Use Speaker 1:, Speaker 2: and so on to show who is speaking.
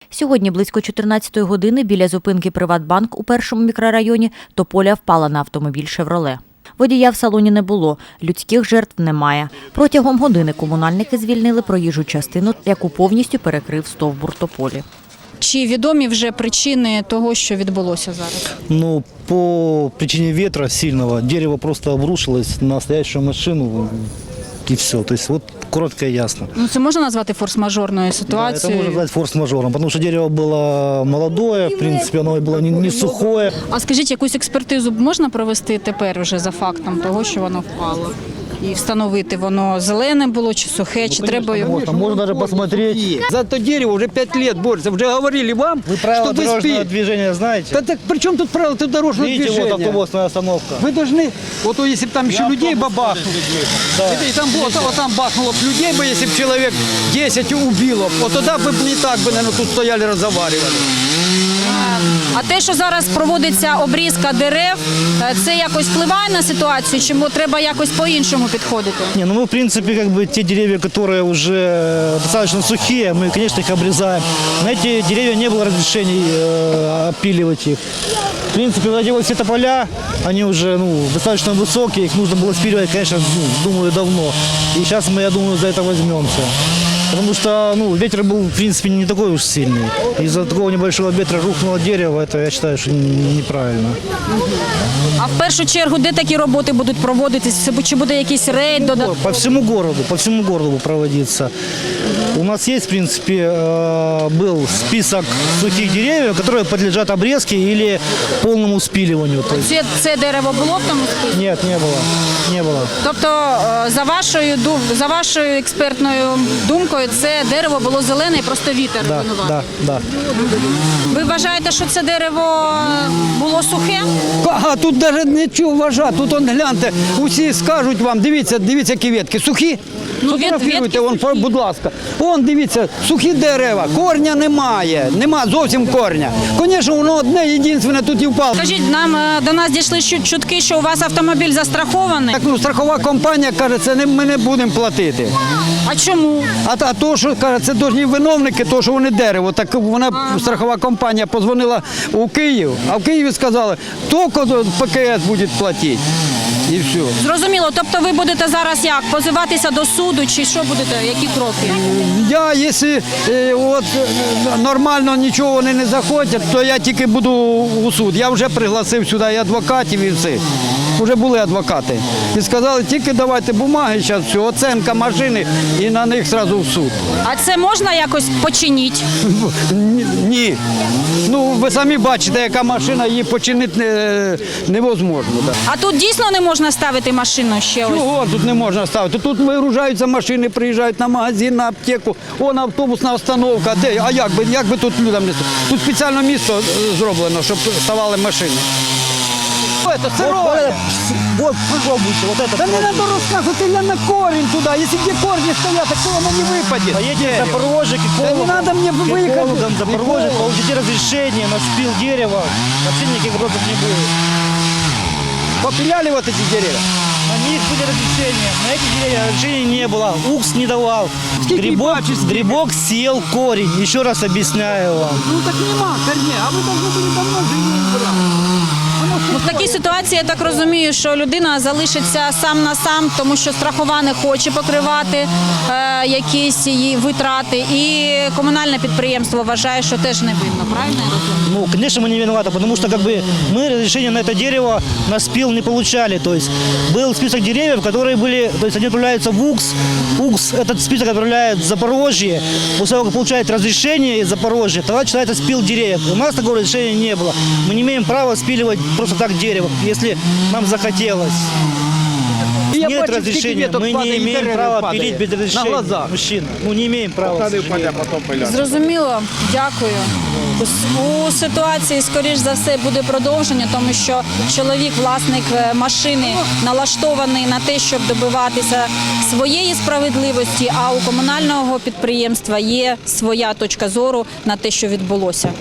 Speaker 1: Сьогодні близько 14-ї години біля зупинки «Приватбанк» у першому мікрорайоні тополя впала на автомобіль «Шевроле». Водія в салоні не було, людських жертв немає. Протягом години комунальники звільнили проїжджу частину, яку повністю перекрив стовбур тополі.
Speaker 2: Чи відомі вже причини того, що відбулося зараз?
Speaker 3: Ну, по причине ветра сильного дерево просто обрушилось на стоящую машину и все. То есть вот коротко и ясно.
Speaker 2: Ну, це можна назвати форс-мажорною
Speaker 3: Да, это
Speaker 2: ситуацією?
Speaker 3: можно назвать форс-мажором, потому что дерево было молодое, в принципе, оно было не сухое.
Speaker 2: А скажіть, якусь експертизу можна провести тепер вже за фактом того, що воно впало? І встановити, воно зелене було чи сухе, чи треба його?
Speaker 3: Можно даже посмотреть.
Speaker 4: За это дерево уже 5 лет борется. Уже говорили вам,
Speaker 3: Вы правила
Speaker 4: что вы
Speaker 3: дорожного
Speaker 4: спите.
Speaker 3: движения знаете?
Speaker 4: Да так при чем тут правила дорожного
Speaker 3: Видите,
Speaker 4: движения?
Speaker 3: вот автобусная остановка.
Speaker 4: Вы должны, вот то, если бы там еще людей бабахнуло, и там было, вот там бахнуло бы людей бы, если бы человек 10 убило, вот тогда бы не так бы, наверное, тут стояли, разговаривали.
Speaker 2: А те, що зараз проводиться обрізка дерев, це якось впливає на ситуацію, чи треба якось по-іншому підходити?
Speaker 3: Не, ну мы, в принципе, как бы те деревья, которые уже достаточно сухие, мы, конечно, их обрезаем. На эти деревья не было разрешений опиливать их. В принципе, вот эти вот все тополя, они уже достаточно высокие, их нужно было спиливать, конечно, думаю, давно. И сейчас мы, я думаю, за это возьмемся. Потому что ветер был, в принципе, не такой уж сильный. Из-за такого небольшого ветра рухнуло дерево, это, я считаю, что неправильно.
Speaker 2: А в першу чергу, де такі роботи будуть проводитись? Чи буде якийсь рейд?
Speaker 3: По всему городу проводиться. У нас есть, в принципе, был список сухих деревьев, которые подлежат обрезке или полному спиливанию. То есть...
Speaker 2: Це дерево було в тому списку?
Speaker 3: Нет, не было.
Speaker 2: Тобто, за вашою експертною думкою, це дерево було зелене і просто вітер винуватий?
Speaker 3: Да.
Speaker 2: Ви вважаєте, що це дерево було сухе?
Speaker 4: А тут навіть нічого вважати, тут он, гляньте, усі скажуть вам, дивіться, які ветки, сухі? Фотографіруйте,
Speaker 2: ветки
Speaker 4: вон,
Speaker 2: сухі.
Speaker 4: будь ласка. Вон, дивіться, сухі дерева, корня немає, нема зовсім корня. Звісно, воно одне, єдине тут і впало.
Speaker 2: Скажіть, до нас дійшли чутки, що у вас автомобіль застрахований.
Speaker 4: Так, страхова компанія каже, це ми не будемо платити.
Speaker 2: А чому?
Speaker 4: А то, що каже, це дожні виновники, то, що вони дерево. Так вона, страхова компанія, позвонила у Київ, а в Києві сказали, тільки ПКС буде платити. І все.
Speaker 2: Зрозуміло, тобто ви будете зараз як, позиватися до суду, чи що будете, які кроки?
Speaker 4: Я, якщо нормально нічого вони не захотять, то я тільки буду у суд. Я вже пригласив сюди і адвокатів, і все. Вже були адвокати. І сказали, тільки давайте бумаги, зараз все, оцінка машини і на них одразу в суд.
Speaker 2: А це можна якось починити?
Speaker 4: Ні. Ви самі бачите, яка машина, її починити невозможно. Да.
Speaker 2: А тут дійсно не можна ставити машину ще ось?
Speaker 4: Чого тут не можна ставити? Тут вигружаються машини, приїжджають на магазин, на аптеку, автобусна остановка. Де? А як би тут людям не ставити? Тут спеціальне місце зроблено, щоб ставали машини. Это сырое.
Speaker 3: Вот, попробуйте, вот это.
Speaker 4: Да не надо рассказывать, или на корень туда. Если где корни стоят, так то оно не выпадет.
Speaker 3: Поедете в Запорожье, к
Speaker 4: Да не надо мне выехать.
Speaker 3: экологам Запорожье, получите разрешение на спил дерева. Вообще никаких вопросов не будет.
Speaker 4: Попиляли вот эти деревья.
Speaker 3: На них были разрешения, на эти деревья разрешения не было. УКС не давал. Грибок съел корень. Еще раз объясняю вам.
Speaker 4: Ну так нема корней, а вы должны были давно же не убрать.
Speaker 2: В такій ситуації, я так розумію, що людина залишиться сам на сам, тому що страхова не хоче покривати якісь її витрати. І комунальне підприємство вважає, що теж не винно, правильно я розумію?
Speaker 3: Конечно, мы не виноваты, потому что мы разрешение на это дерево на спил не получали. То есть был список деревьев, которые были, то есть они отправляются в УКС. УКС этот список отправляет в Запорожье. После того, как получает разрешение из Запорожья, тогда начинается спил деревьев. У нас такого разрешения не было. Мы не имеем права спиливать просто так дерево, если нам захотелось. Нет разрешения, мы не имеем права пилить без разрешения. Мужчина, не имеем права.
Speaker 2: Зрозуміло, дякую. У ситуації, скоріш за все, буде продовження, тому що чоловік, власник машини, налаштований на те, щоб добиватися своєї справедливості, а у комунального підприємства є своя точка зору на те, що відбулося.